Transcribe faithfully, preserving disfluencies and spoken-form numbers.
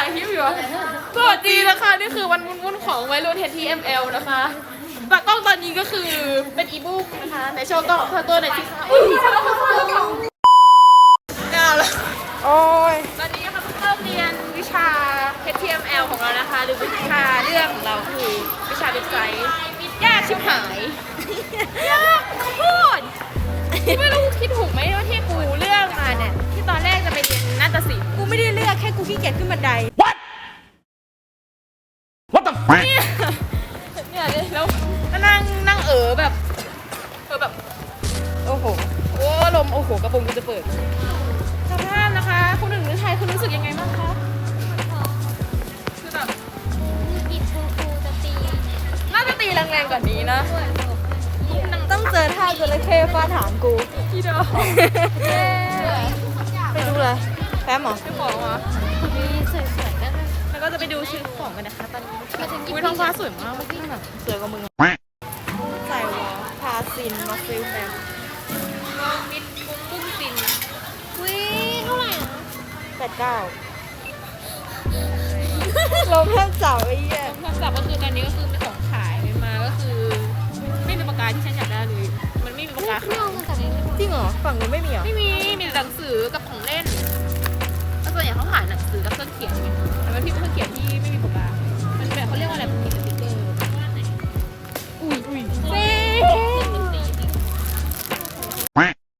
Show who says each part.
Speaker 1: ายคลิปอยู่สวัสดีนะคะนี่คือวันวุ่นๆของวัยรุ่น ที เอ็ม แอล นะคะตากล้องตอนนี้ก็คือเป็นอีบุ๊กนะคะในโชว์กล้องพาตัวหน่อยสิคะอุ้ยน่าละโอ้ยตอนนี้นะคะเพิ่งเริ่มเรียนวิชา ที เอ็ม แอล ของเรานะคะหรือวิชาเรื่องของเราคือวิชาเว็บไซต์ยากชิบหายยากโคตรไม่รู้คิดถูกไหมว่าที่กูเลือกมาเนี่ยที่ตอนแรกจะไปเรียนนาฏศิลป์กูไม่ได้เลือกแค่กูขี้เกียจขึ้นบันได What What the fuck เนี่ยเนี่ยแล้วก็นั่งนั่งเออแบบเออแบบโอ้โหโอ้ลมโอ้โหกระโปรงกูจะเปิดสภาพนะคะคุณหนึ่งหรือไทยคุณรู้สึกยังไงบ้างคะคือแบบ
Speaker 2: กินครูครูจะตี
Speaker 1: น่าจะตีแรงๆกว่านี้นะ
Speaker 3: ต้องเจอท่าจระเข้ฟาดหางกู
Speaker 1: พี่เดอ
Speaker 3: ไปดูเลยแป๊บหรอ
Speaker 1: เจ้าของอ่ะ
Speaker 2: มีสวยๆกันเลย
Speaker 1: แล้วก็จะไปดูชื่อของกันนะคะตอนนี้
Speaker 2: มาถึง
Speaker 1: อุ้ยท้องฟ้าสวยมากเมื่อกี้แบบสวยกว่ามึง
Speaker 3: ใส่วอพาซินมาฟิลแมม
Speaker 1: น้องมิดปุ้งปุ้งซิน
Speaker 2: วิเท่าไหร่นะ
Speaker 3: แปดเก้าลมแทบเสาไอ้เหี้ย
Speaker 1: โทรศัพท์ก็คือตอนนี้ก็คือเป็นของขายมาก็คือ ไม่มีปากกาที่ฉันอยากได้เลยมันไม่มีปากกา
Speaker 2: ไม่เอามาจากไหนเลย
Speaker 3: จริงเหรอฝั่งนู้นไม่มีเหรอ
Speaker 1: ไม่มี